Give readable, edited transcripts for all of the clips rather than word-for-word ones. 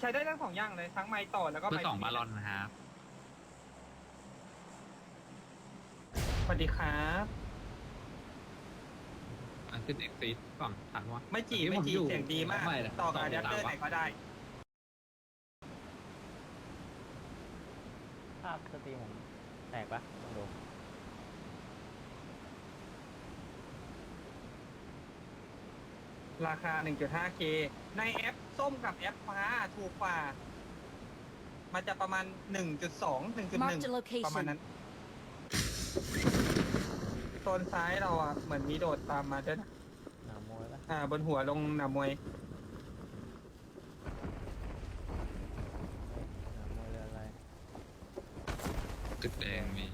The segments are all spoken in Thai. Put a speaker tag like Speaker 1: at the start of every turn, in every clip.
Speaker 1: ช้ได้ทั้งสองอย่างเลยทั้งไม้ต่อแล้วก็
Speaker 2: เบอ
Speaker 1: ไม้
Speaker 2: ร์สองบาลอนนะครับ
Speaker 1: สวัสดีครับ
Speaker 2: ขึ้นเอ็กซีก่อนถามว่า
Speaker 1: ไม่จี
Speaker 2: ที่
Speaker 1: ไม่
Speaker 2: ผม
Speaker 1: จี
Speaker 2: อยู่
Speaker 1: เสียงดีมาก
Speaker 2: ไม่นะ
Speaker 1: ต่อกับอะแดปเตอร์ไหนก็ได้
Speaker 3: ภาพสตรีมผมแตกปะลองดู
Speaker 1: ราคา 1.5K ในแอปส้มกับแอปฟ้าถูกกว่า มันจะประมาณ 1.2
Speaker 4: Marked a
Speaker 1: 1.1 ประมาณ
Speaker 4: location.
Speaker 1: นั้นโซนซ้ายเราอ่ะ เหมือนมีโดดตามมาด้วยนะ
Speaker 3: หนามวยปะ
Speaker 1: บนหัวลงหนามวย
Speaker 3: หนามวยเรืออะไร
Speaker 2: ตึกแดงมี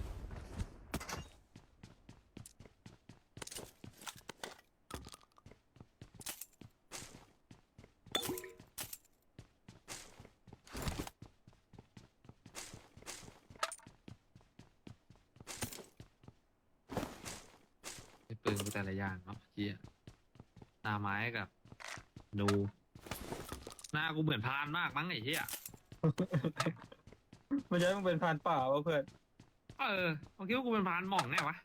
Speaker 2: ปืนกูแต่ละอย่างเนาะเฮียหน้าไม้กับดูหน้ากูเหมือนพรานมากมั้งไอ้เหี้ย
Speaker 1: มันจะมันเป็นพรานป่าวะเพื่อน
Speaker 2: ผมคิดว่ากูเป็นพรานหม่องแน่วะ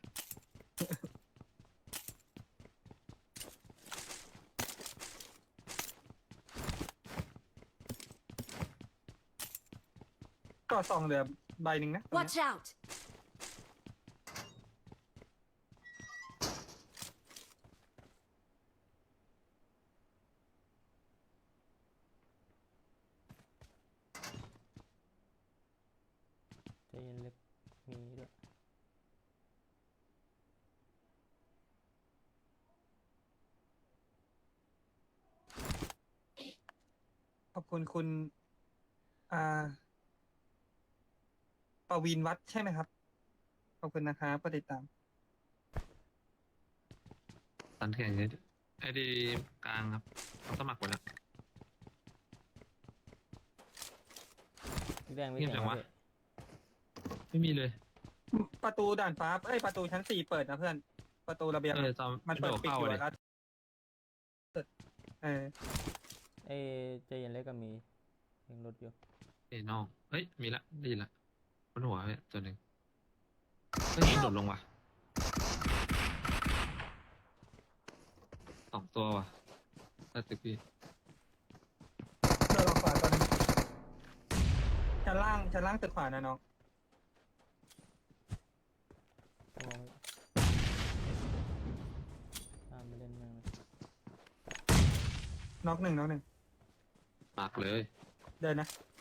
Speaker 1: ก็ซองเหลือใบหนึ่งนะตรงเนี้ย
Speaker 4: Watch out!
Speaker 3: ใจเย็นเล็กมีด้วย
Speaker 1: ขอบคุณคุณ อ่าปวีณวัฒน์ใช่ไหมครับ ขอบคุณนะครับก็ติดตาม
Speaker 2: ตันแข่งนี้ไอ้ดีกลางครับเขาสมัครไปแล้ว
Speaker 3: พี่แดงไม่
Speaker 2: เงียบ
Speaker 3: เสีย
Speaker 2: จั
Speaker 3: ง
Speaker 2: งวะ
Speaker 3: วะ
Speaker 2: ไม่มีเลย
Speaker 1: ประตูด่านฟ้าประตูชั้น 4 เปิดนะเพื่อน ประตูระเบียง
Speaker 2: จอม
Speaker 1: มันเปิด
Speaker 2: โดด
Speaker 1: ปิด
Speaker 2: เข้า
Speaker 1: อยู่
Speaker 2: เลย
Speaker 1: แล้วเออ
Speaker 3: เอ้ยใจเย็นเล็กก็มียังรถอยู่
Speaker 2: เอ้ยน้องเฮ้ยมีละได้ยินละบนหัวเนี่ยตัวหนึ่งก็ยิงโดดลงว่ะสองตัวว่ะตัดตึกพี่
Speaker 1: เดินออกขวาตอนนึงชั้นล่างตึกขวานะน้อง
Speaker 3: มองตามไปเล่นแม่งเลย
Speaker 1: น็อกหนึ่ง
Speaker 2: มากเลย
Speaker 1: เดินนะ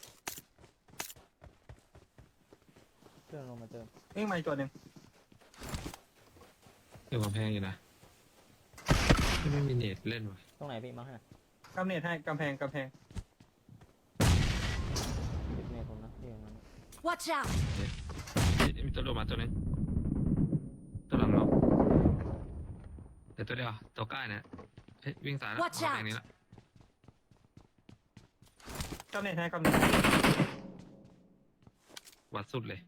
Speaker 3: เครื่องลงมาเติม
Speaker 1: วิ่งมาอีกตัวหนึ่ง
Speaker 2: อยู่กำแพงอยู่นะไม่มีเน็ตเล่นว่ะ
Speaker 3: ตรงไหนพี่มาให้
Speaker 1: กำเนิดให้กำแพง
Speaker 3: ติดเมทผมนะที่อย่างนั้น
Speaker 4: Watch out!
Speaker 2: เฮ้ยมีตัวโดดมาตัวหนึงตัวหลังเนาะเดี๋ยวตัวเดียวตัวใกล้เนี่ยเฮ้ยวิ่งสายแล้ว
Speaker 4: Watch
Speaker 2: กำแพงนี้ละ
Speaker 1: กำเนิดให้กำเนิด
Speaker 2: วัดสุดเลย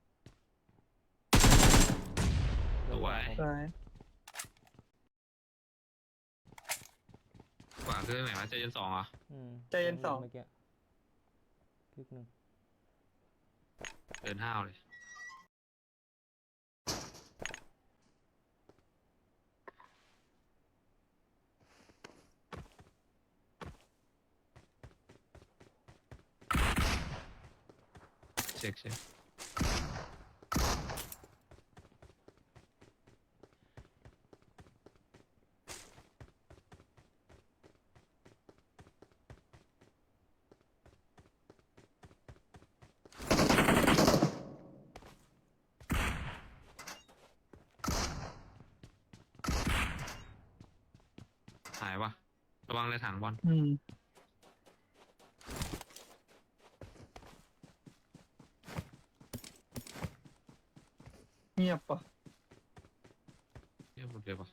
Speaker 2: สวย
Speaker 1: ซ้าย
Speaker 2: กว่าคือไหนวะใจเย็นสองเหรอ
Speaker 1: ใจเย็นสอง
Speaker 3: เมื่อกี้คลิกหนึ่ง
Speaker 2: เดินห้าวเลยเช็คหายวะระวังเลยถังบอล
Speaker 1: เงียบปะ
Speaker 2: เยี่ยมหมดเลยปะ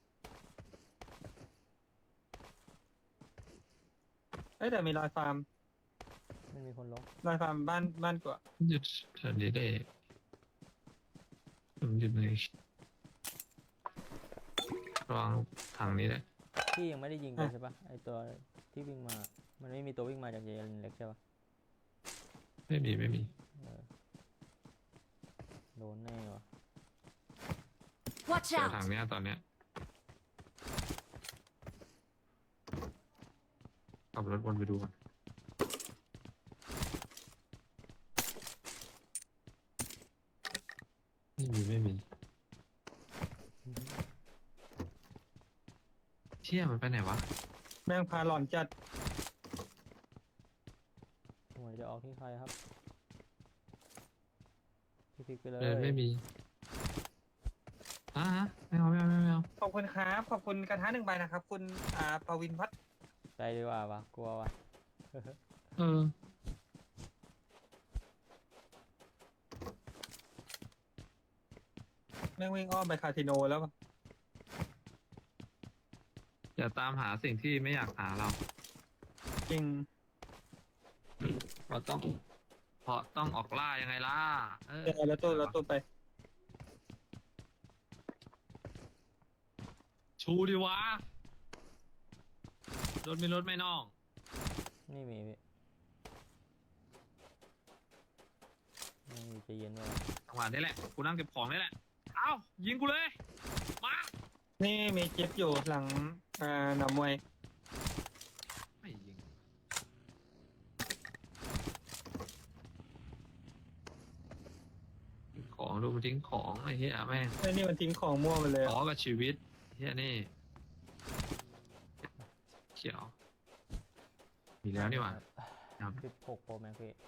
Speaker 1: แต่มีรอยฟาร์ม
Speaker 3: ไม่มีคนลง
Speaker 1: รอยฟาร์มบ้านกว่า
Speaker 2: หยุดแถวนี้ได้ผมหยุดเลยระวังถังนี้ได้
Speaker 3: พี่ยังไม่ได้ยิงกันใช่ปะไอตัวที่วิ่งมามันไม่มีตัววิ่งมาจากเจเย็นเล็กใช่ปะ
Speaker 2: ไม่มีไม่มี
Speaker 3: เออโดนแน่วะ
Speaker 4: Watch
Speaker 2: เจอ
Speaker 4: out!
Speaker 2: ทางเนี้ยตอนเนี้ยขับรถวนไปดูก่อนไม่มีเชี่ยมันไปไหนวะ
Speaker 1: แม่งพาหลอนจัด
Speaker 3: หวยจะออกที่ใครครับพี่พลิกไปเลย
Speaker 2: เดินไม่มีฮะไม่เอา
Speaker 1: ขอบคุณครับ ขอบคุณกระทะ1 ใบนะครับ คุณปวินพัฒน์
Speaker 3: ใจดีกว่าวะกลัววะ
Speaker 2: เออ
Speaker 1: แม่งวิ่งอ้อมไปคาสิโนแล้วปะ
Speaker 2: อย่าตามหาสิ่งที่ไม่อยากหาเรา
Speaker 1: จริง
Speaker 2: เราต้องเพราะต้องออกล่ายังไงล่ะเออ
Speaker 1: เดี๋ยวแล้วตัวไป
Speaker 2: ชูดิวะรถมีรถไม่น้อง
Speaker 3: นี่มีพี่ไม่มีใจเย็นวะ
Speaker 2: จังหวะนี้แหละกูนั่งเก็บของนี่แหละเอ้ายิงกูเลยมา
Speaker 1: นี่มีเจ็บอยู่หลังหนามมวย
Speaker 2: ไม่ยิงทิ้งของดูมันทิ้งของไอ้เหี้ยแม่ง
Speaker 1: ไอ้นี่มันทิ้งของมั่วไปเลย
Speaker 2: ขอกับชีวิตเหี้ยนี่เขียวมีแล้วนี่หว่าครับ
Speaker 3: 16 Pro Max พี่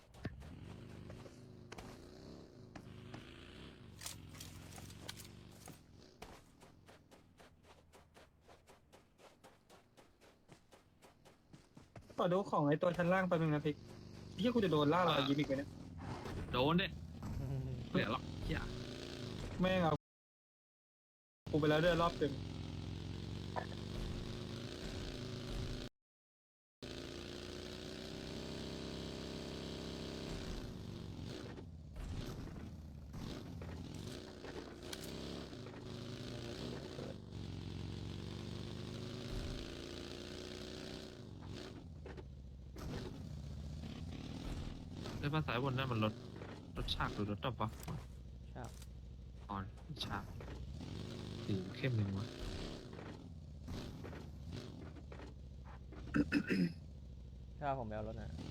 Speaker 1: ขอดูของไอ้ตัวชั้นล่างไปบนึงนะพิกที่กูจะโดนล่าเรายิ้มอีกไหมเนี่ย
Speaker 2: โดนดิเหลือหรอกเหี้ย
Speaker 1: แม่งเอากูไปแล้วด้วยรอบเต็ม
Speaker 2: ได้ภาษาบนนั่นมันรถฉากหรือรถดับวะ
Speaker 3: ใช่
Speaker 2: อ่อนฉากสีเข้มหนึ่งวะ
Speaker 3: ถ้าผมไปเอารถน่ะ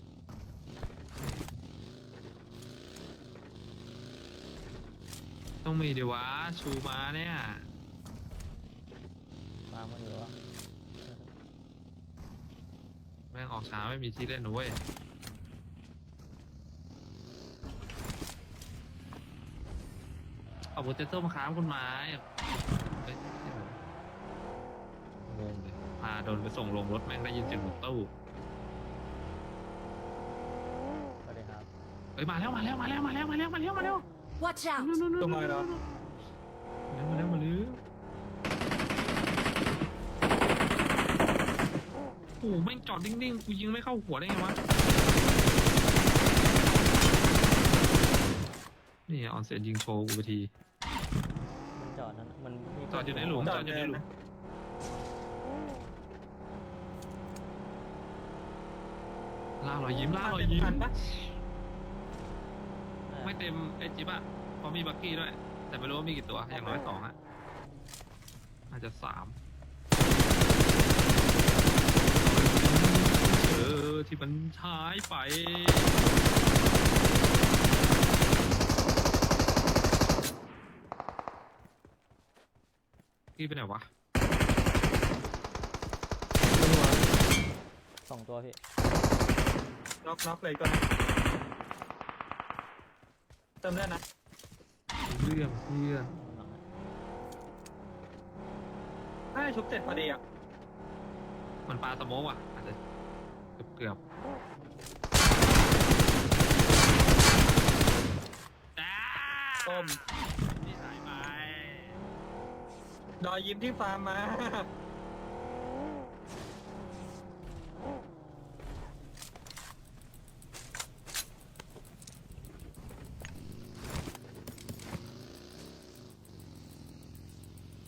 Speaker 2: ต้องมีดิวะชูมาเนี่ย
Speaker 3: มามาอยู่วะ
Speaker 2: แม่งออกช้าไม่มีที่เล่นนะเว้ยเอาโปเตโต้มาค้ามคุณไม้เอ้ยงงเลยพาโดนไปส่งลงรถแม่งได้ยินเสียงรถตู้
Speaker 3: สวัสดีครับ
Speaker 2: เฮ้ยมาแล้ว
Speaker 4: Watch out!
Speaker 1: ตัวมาแล้ว
Speaker 2: มาแล้วโอ้โหแม่งจอดนิ่งๆกูยิงไม่เข้าหัวได้ไงวะนี่ออนเซ็นยิงโชว์กูไปที
Speaker 3: มันจอดนั่นน่ะมันมี
Speaker 2: จอดอยู่ในหลุม
Speaker 1: จอดอยู่ในหลุม
Speaker 2: ล่ารอยยิ้ม
Speaker 1: ทันปะ
Speaker 2: ไม่เต็มไอจิ๊บอะเพราะมีบักกี้ด้วย แต่ไม่รู้ว่ามีกี่ตัว อย่างน้อย2อะอาจจะ3ที่มันหายไปกี้ไปไหนวะ
Speaker 3: 2 ตัวพี่
Speaker 1: น็อกเลยก็นะเติมได้นะ
Speaker 2: เรื่องเพื่อน
Speaker 3: หลังอะ
Speaker 1: ถ้าชุบเสร็จพอดีอ่ะ
Speaker 2: มันปลาสโมกอ่ะอาจจะเกือบจ้า
Speaker 1: ต้ม
Speaker 2: นี่หายไป
Speaker 1: ดอยยิ้มที่ฟาร์มมา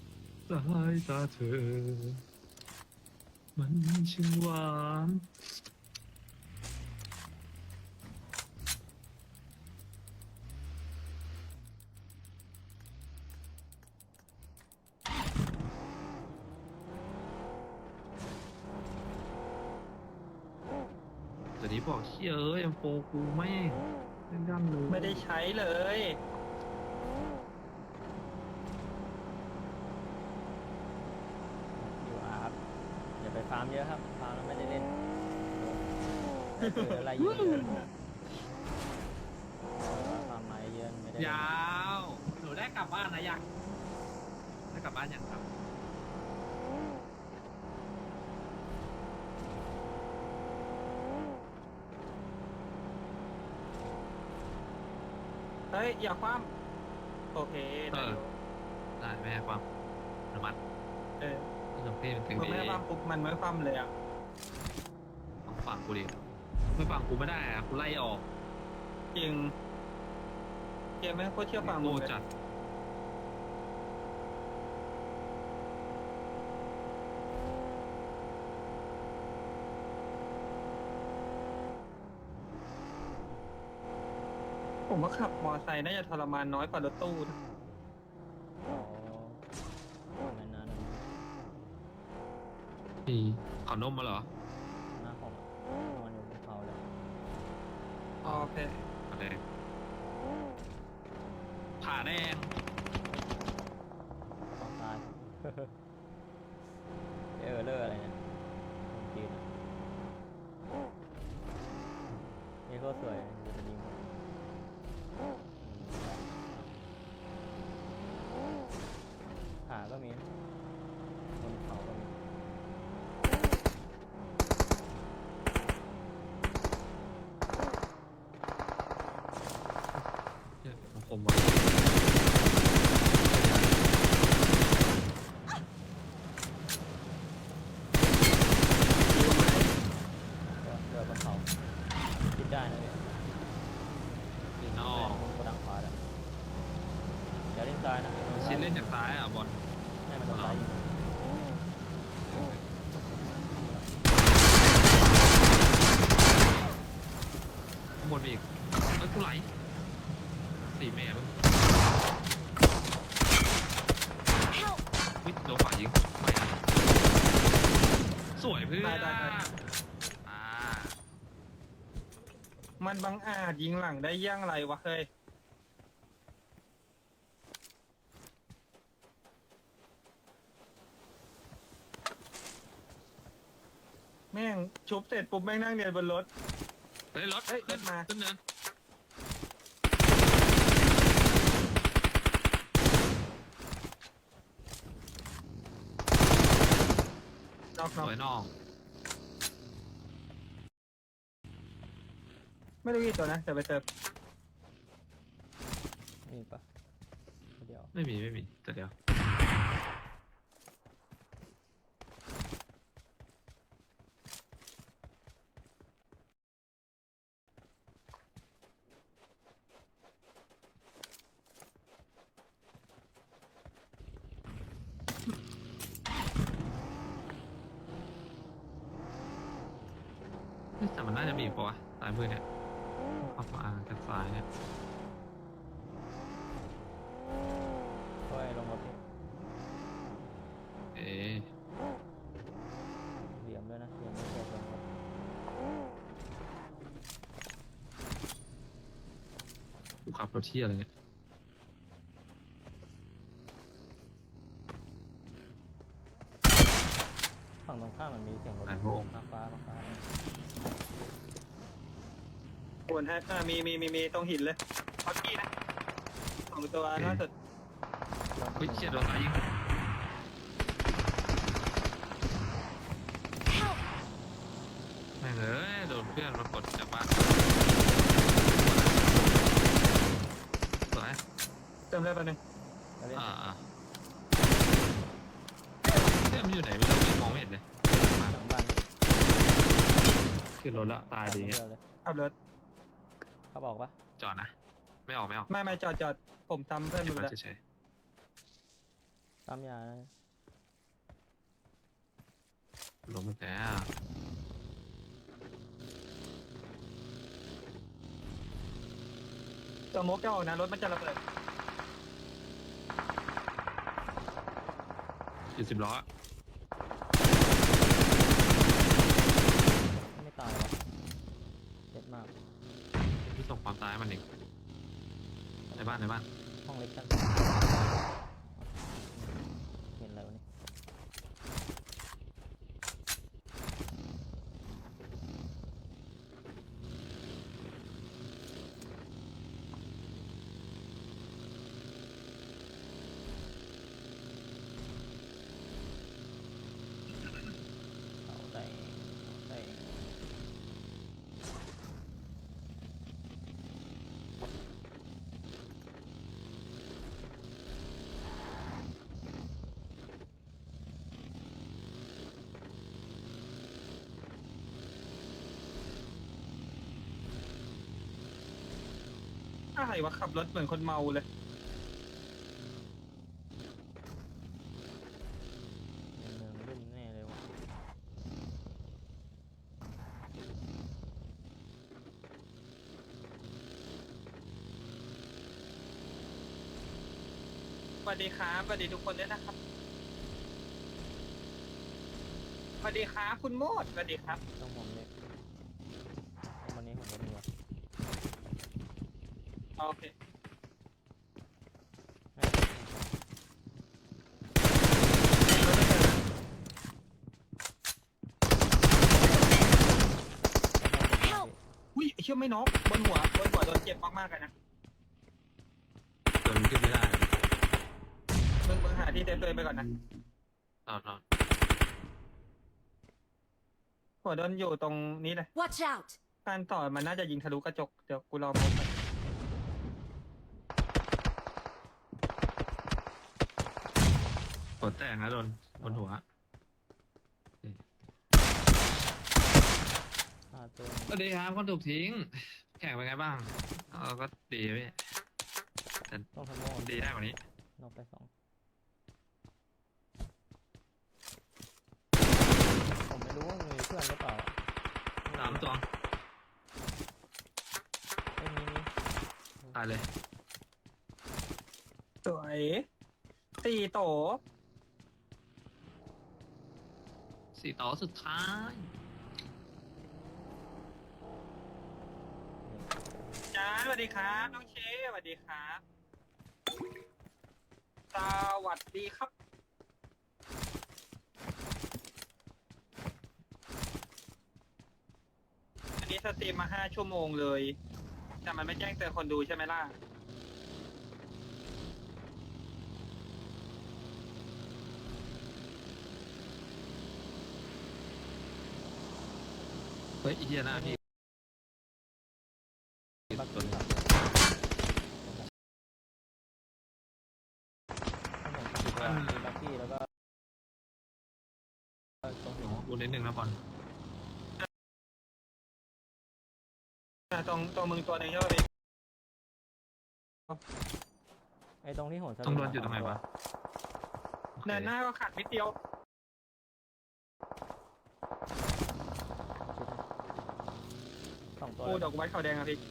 Speaker 2: สายตาเธอ มันช่างหวานแต่นี้บอกเชี่ยเอ้ยM4กูแม่งเล่นย่ำเลย
Speaker 1: ไม่ได้ใช้เลย
Speaker 3: อยู่อาร์ครับอย่าไปฟาร์มเยอะครับฟาร์มแล้วไม่ได้เล่นได้เจออะไรเยอะฟาร์มมาเยอะไม่ได้เล่น
Speaker 2: ยาวหนูได้กลับบ้านนะยังได้กลับบ้านยังครับ
Speaker 1: เฮ้ย อย่าคว่ำโอเคได้อยู่
Speaker 2: ได้แม่ให้ความอนุมัติ
Speaker 1: เออ
Speaker 2: ที่หลวงพี่มันถึง
Speaker 1: พอ
Speaker 2: ดี
Speaker 1: แม่คว่ำปุ๊บมันไม่คว่ำเลยอ่ะ
Speaker 2: ต้องฟังกูดิไม่ฟังกูไม่ได้อะกูไล่ออก
Speaker 1: จริง เกมแม่งโคตรเชื่อฟังมึ
Speaker 2: โง่
Speaker 1: งเลย
Speaker 2: จัด
Speaker 1: ผมว่าขับมอไซค์น่าจะทรมานน้อยกว่ารถตู้นะ
Speaker 3: อ๋อไม่นานนะ
Speaker 2: พี่ขอนมมาเหรอ
Speaker 3: หน้าผมนอนอยู่บนเขาเลย
Speaker 1: โอเค
Speaker 2: ผ่าแดงผ่าแดง
Speaker 3: ต้องตาย เลอร์อะไรเนี่ยคนจีนอะนี่ก็สวยจะเป็นยิงขาก็มีนะบนเขาก็มี
Speaker 2: เนี่ยของผมว่ะ
Speaker 3: เรือบนเขาคิดได้นะพี่ยิง
Speaker 2: นอก
Speaker 3: กระดังขวาเลยอย่าเล่นซ้ายนะ
Speaker 2: ชิ้นเล่นจากซ้ายอ่ะบอล
Speaker 3: ให้มันโดนซ้ายยิง
Speaker 2: ข้างบนมีอีกเอ้ยกูไหลสี่แม่มึง
Speaker 4: Help!
Speaker 2: วิโดนฝ่ายยิงไม่นะสวยเพื่อน
Speaker 1: ได้
Speaker 2: อ่า
Speaker 1: มันบังอาจยิงหลังได้ย่างไรวะเฮ้ย แม่งชุบเสร็จปุ๊บแม่งนั่งเรียนบนรถ
Speaker 2: เฮ้ยรถ
Speaker 1: เฮ้ย
Speaker 2: ขึ้น
Speaker 1: รถมา
Speaker 2: ขึ้นเนิน
Speaker 1: นอก
Speaker 2: สวยนอก
Speaker 1: ไม่รู้กี่ตัวนะแต่ไปเติม
Speaker 3: มีปะเดี๋ยว
Speaker 2: ไม่มีแต่เดียวเฮ้ยแต่มันน่าจะมีอีกปะวะสายมือเนี่ยเข้ามากันซ้ายเนี่ย
Speaker 3: ค่อยลงรถพี่
Speaker 2: เอ๊ะ
Speaker 3: เหลี่ยมด้วยนะเหลี่ยมไม่เจอลงรถ
Speaker 2: กูขับรถเที่ยอะไรเนี่ย
Speaker 3: ฝั่งตรงข้ามมันมีเสียงรถฟ้าฟ้า
Speaker 1: ควรให้มีตรงหินเลยพอกี้นะสองตัวน่าจะ
Speaker 2: เฮ้ยเชี่ยโดนสายยิง
Speaker 4: Help!
Speaker 2: แม่งเอ้ยโดนเพื่อนมากดจากบ้านสวย
Speaker 1: เติมได้ปะหนึ่ง
Speaker 3: แล้วเล่น
Speaker 2: อ่าเพื่อนมันอยู่ไหนไม่รู้มองไม่เห็นเลย
Speaker 3: หลังบ้าน
Speaker 2: ขึ้นรถละตายดี
Speaker 3: เดี
Speaker 2: เงี้ย
Speaker 3: ยวเลย
Speaker 1: ขับรถ
Speaker 3: เขาบอกปะ
Speaker 2: จอดนะไม่ออก
Speaker 1: ไม่จอดผมทำเพื่อน
Speaker 2: เก็
Speaker 1: มึ
Speaker 2: บ
Speaker 1: ง
Speaker 2: ไว้
Speaker 1: แล้ว
Speaker 2: เฉย
Speaker 3: ตามยานะ
Speaker 2: ๆลงไปแล้ว
Speaker 1: ตัวมกจะออกนะรถมันจะระเบิด
Speaker 2: อยู่10 ล้อ
Speaker 3: ไม่ตายวะ
Speaker 2: ซ้ายมันอีกในบ้าน
Speaker 3: ห้องเล็กชั้นเห็นอะไรวะเนี่ยเอาได้
Speaker 1: อะไรวะขับรถเหมือนคนเมาเลย
Speaker 3: ในเมืองรุ่มแน่เลยวะ
Speaker 1: สวัสดีครับสวัสดีทุกคนด้วยนะครับสวัสดีครับคุณโมดสวัสดีครับ
Speaker 3: ต้องผมเล็กวันนี้ผมก็มีวะ
Speaker 1: โอเค
Speaker 4: Help!
Speaker 1: อุ้ยเชื่อไม่น็อกบนหัวโดนเจ็บมากๆเลยนะ
Speaker 2: จนขึ้นไม่ได้
Speaker 1: มึงหาที่เซฟตัวเองไปก่อนนะ
Speaker 2: รอด
Speaker 1: หัวโดนอยู่ตรงนี้เลย
Speaker 4: Watch out!
Speaker 1: การต่อมันน่าจะยิงทะลุกระจกเดี๋ยวกูรอพบมัน
Speaker 2: หัวแตกนะโดนบนหัว
Speaker 3: ตัว
Speaker 2: สวัสดีครับคนถูกทิ้ง แข่งเป็นไงบ้างก็ดีพี่แต่
Speaker 3: ต้องทำโม่
Speaker 2: ดีได้กว่านี้
Speaker 3: นอกไป2ผมไม่รู้ว่ามีเพื่อนหรือเปล่า
Speaker 2: 3 ตัว
Speaker 3: ไม่มี
Speaker 2: ตายเลย
Speaker 1: สวยสี่โต
Speaker 2: 4 ต่อสุดท้าย
Speaker 1: จ้าสวัสดีครับน้องเชสวัสดีครับสวัสดีครับอันนี้สตรีมมา5 ชั่วโมงเลยแต่มันไม่แจ้งเตือนคนดูใช่ไหมล่ะ
Speaker 2: เฮ้ยอีเหี้ยหน้าพี่
Speaker 3: บักกี้ครับมีบักกี้แล้วก็ตรงหิน
Speaker 2: บูนิดนึงนะบอล
Speaker 1: ตรงมึงตัวหนึ่งใช่ไหมพี่
Speaker 3: ไอ้ตรงที่โหนสลิ
Speaker 2: ต้องโดนอยู่ตรงไหนวะ
Speaker 1: เดินหน้าก็ขัดนิดเดียว
Speaker 3: 2 ตัว
Speaker 1: กูดอกไม้ขาวแดงอะพี่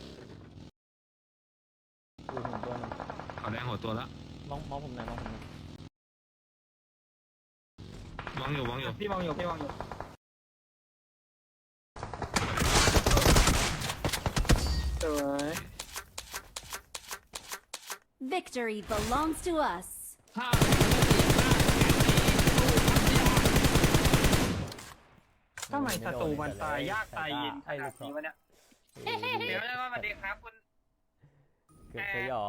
Speaker 3: อยู่หินตัวหนึง
Speaker 2: ขอแรงหัวตัวแล้ว
Speaker 3: มองผมหน่อยมองผมหน่อย
Speaker 2: มองอยู่
Speaker 1: พี่มองอยู่สวย
Speaker 4: Victory belongs to us.
Speaker 1: ทำไมศัตรูมันตายยากตายเย็นขนาดนี้วะเนี่ย เดี๋ยวนะสวัสดีครับคุณ
Speaker 3: เกือบจะหยอก